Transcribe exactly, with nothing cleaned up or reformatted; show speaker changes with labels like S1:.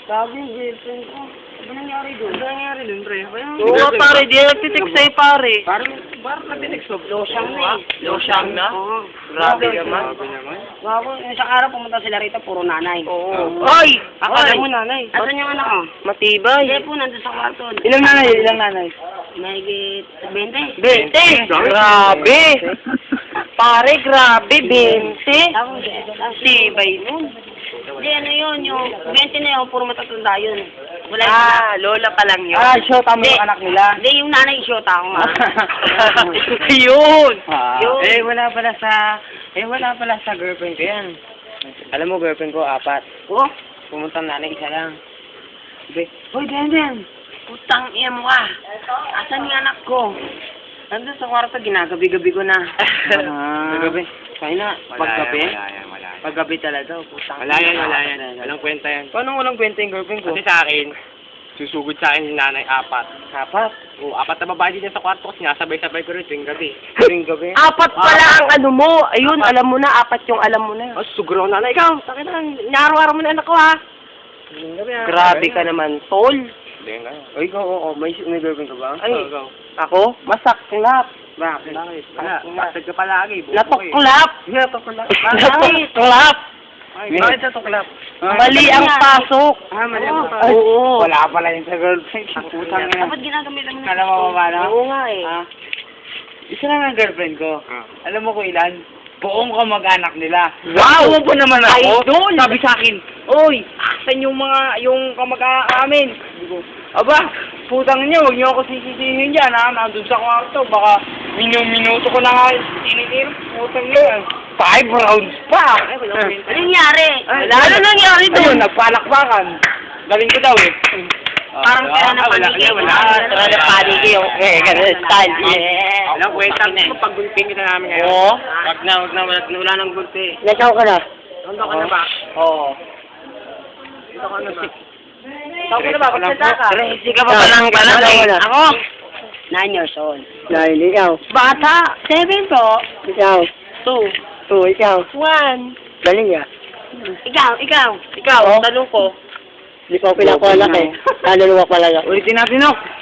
S1: Sabi yung girlfriend ko. Ano nangyari doon? Ano nangyari doon, pre?
S2: Oo nga pare, di na nagtitik sa'yo pare.
S1: Parang, parang nagtitik so. Losyang na eh.
S2: Losyang na?
S1: Oo.
S2: Grabe naman.
S1: Bago, isang araw pumunta sila rito, puro nanay.
S2: Oo. Ay!
S1: Akala mo nanay. Asan yung anak ko?
S2: Matibay.
S1: Hindi po, nandun sa kwarto.
S2: Ilang nanay? Ilang nanay?
S1: Mahigit twenty.
S2: Bente! Grabe! Pare, grabe, bente!
S1: Tapos,
S2: Tibay nun.
S1: hindi, ano yun, yung twenty na yun, puro matatanda yun. Wala yung
S2: Ah, lola pa lang yun.
S3: Ah, show tama
S1: Hindi.
S3: yung anak nila.
S1: Hindi, yung nanay shota ako nga.
S2: Yun!
S3: Ah.
S1: Yun.
S3: Eh, wala pala sa... Eh, wala pala sa girlfriend ko yan. Alam mo, girlfriend ko, apat.
S1: Oh,
S3: Pumunta nanay, isa lang. Sabi, Hoy, Denden!
S1: putang iya mo ka. Asan yung anak ko? Nandun sa kwarto, ginagabi-gabi ko na.
S3: Ah. Paggabi. Kaya na, paggabi.
S4: Wala yan, wala yan.
S3: Paggabi talaga, putang.
S4: Wala yan, wala yan. Walang kwenta yan.
S3: Paano walang kwenta yung girlfriend ko?
S4: Kasi sa akin, susugod sa akin yung nanay apat.
S3: Apat.
S4: O, apat na babae din sa kwarto ko, sinasabay-sabay ko rin tuwing gabi.
S3: Tuwing gabi.
S2: Apat pala ang ano mo. Ayun, alam mo na. Apat yung alam mo na.
S4: Oh, sugro nanay. Ikaw, sakit na, nyaro-araw mo na anak ko ha.
S3: Tuwing gabi, ah.
S2: Grabe ka naman, tol.
S4: Hindi nga.
S3: O, ikaw, oo, may, may girlfriend ka ba?
S2: Ay,
S4: Go, go.
S2: ako? Masaklap.
S3: Bakit?
S4: Bakit? Wala, bastard ka palagi. buko eh.
S2: Natuklap.
S3: Natuklap.
S2: Natuklap.
S4: Ay,
S3: Bakit natuklap?
S2: Mali ang pasok.
S3: Ah, mali ang
S1: Oo.
S3: pasok.
S2: Oo.
S3: Wala pala yun sa girlfriend. Putang ina.
S1: Dapat ginagamitan mo na.
S3: Alam mo ba paano?
S2: Oo nga eh.
S3: Ah, isa lang ang girlfriend ko.
S4: Ah.
S3: Alam mo ko ilan? Buong kamag-anak nila.
S2: Wow!
S3: Umupo naman ako.
S2: Idol!
S3: Sabi sa akin, Oy, asan yung mga, yung kamag-anak amin? Sabi ko, aba, putang niyo, huwag niyo ako sisisihin dyan, ha? Nandun sa kwarto, baka minu-minuto ko na nga tinitir. Putang niyo. Five rounds pa. Eh, wala ko yun.
S1: Ano nangyari?
S3: Wala.
S2: Ano nangyari doon?
S3: Ayun, nagpalakpakan. Galing ko daw eh.
S1: Parang kaya na
S4: wala,
S1: panigay.
S4: wala,
S2: Ah, tara na paniki yung eh, ganun style. Yeah.
S4: Walang kwenta. Pag-gulping kita namin ngayon.
S2: Oo.
S4: Wag na, wag na, wala, wala nang gulpi.
S2: Nasaan ka na?
S4: Tondo ka na ba?
S3: Oo.
S4: Tondo ka na ba?
S2: Saan ka na ba? Pagsalita ka.
S3: Crazy ka pa palang
S2: Nasaan ka
S3: pala
S2: na?
S3: eh.
S2: Ako?
S1: Nine years old.
S2: Nine, ikaw. Bata. Seven po. Ikaw. Two. Two, ikaw. One. Galing ah.
S1: Ikaw, ikaw.
S2: Ikaw, tanong ko. Hindi ko pinakuha eh. Naluluwa pala.
S3: Ulitin natin, no?